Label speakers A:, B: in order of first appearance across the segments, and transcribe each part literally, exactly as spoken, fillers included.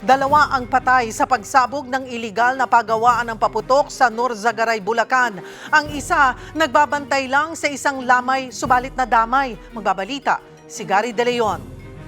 A: Dalawa ang patay sa pagsabog ng iligal na paggawaan ng paputok sa Norzagaray, Bulacan. Ang isa, nagbabantay lang sa isang lamay, subalit na damay. Magbabalita, si Gary De Leon.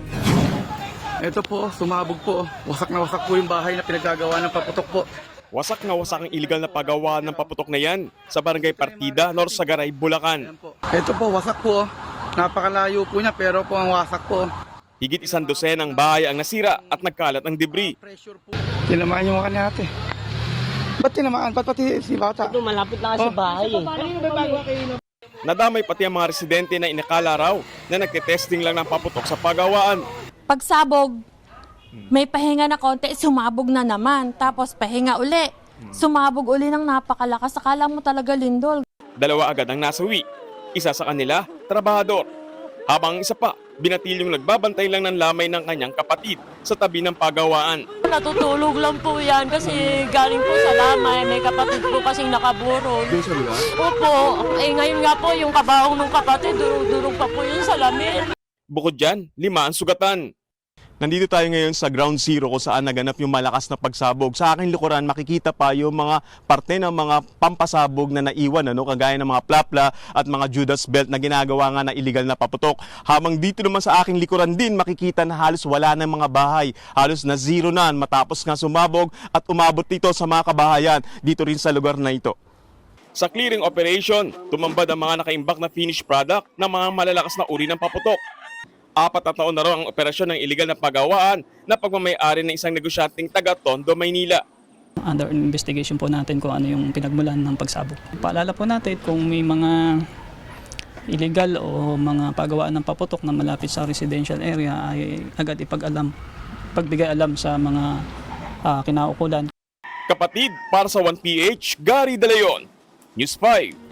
B: Ito po, sumabog po. Wasak na wasak po yung bahay na pinaggagawa ng paputok po.
C: Wasak na wasak ang iligal na paggawa ng paputok na yan sa Barangay Partida, Norzagaray, Bulacan.
B: Ito po, wasak po. Napakalayo po niya pero po ang wasak po.
C: Higit isang dosenang bahay ang nasira at nagkalat ang debris.
B: Tinamaan yung mga ate. Ba't tinamaan? Ba't pati si bata?
D: Ito, malapit lang sa bahay eh.
C: Nadamay pati ang mga residente na inakala raw na nagtitesting lang ng paputok sa paggawaan.
E: Pagsabog, may pahinga na konti, sumabog na naman. Tapos pahinga uli. Sumabog uli ng napakalakas. Akala mo talaga lindol.
C: Dalawa agad ang nasawi. Isa sa kanila, trabahador. Habang isa pa, binatilyong nagbabantay lang ng lamay ng kanyang kapatid sa tabi ng pagawaan.
D: Natutulog lang po yan kasi galing po sa lamay. May kapatid po kasing nakaburol.
B: Doon sa lugar?
D: Opo. Eh ngayon nga po yung kabaong ng kapatid, durog-durog pa po yun sa lamin.
C: Bukod dyan, lima ang sugatan. Nandito tayo ngayon sa ground zero kung saan naganap yung malakas na pagsabog. Sa aking likuran, makikita pa yung mga parte ng mga pampasabog na naiwan, ano, kagaya ng mga plapla at mga Judas belt na ginagawa nga na illegal na paputok. Habang dito naman sa aking likuran din, makikita na halos wala ng mga bahay. Halos na zero na matapos nga sumabog at umabot dito sa mga kabahayan dito rin sa lugar na ito. Sa clearing operation, tumambad ang mga nakaimbak na finished product ng mga malalakas na uri ng paputok. Apat na taon na raw ang operasyon ng iligal na paggawaan na pagmamay-ari ng isang negosyanteng taga Tondo, Maynila.
F: Under investigation po natin kung ano yung pinagmulan ng pagsabog. Paalala po natin kung may mga illegal o mga paggawaan ng paputok na malapit sa residential area ay agad ipag-alam, pagbigay alam sa mga uh, kinaukulan.
C: Kapatid, para sa one P H, Gary De Leon, News five.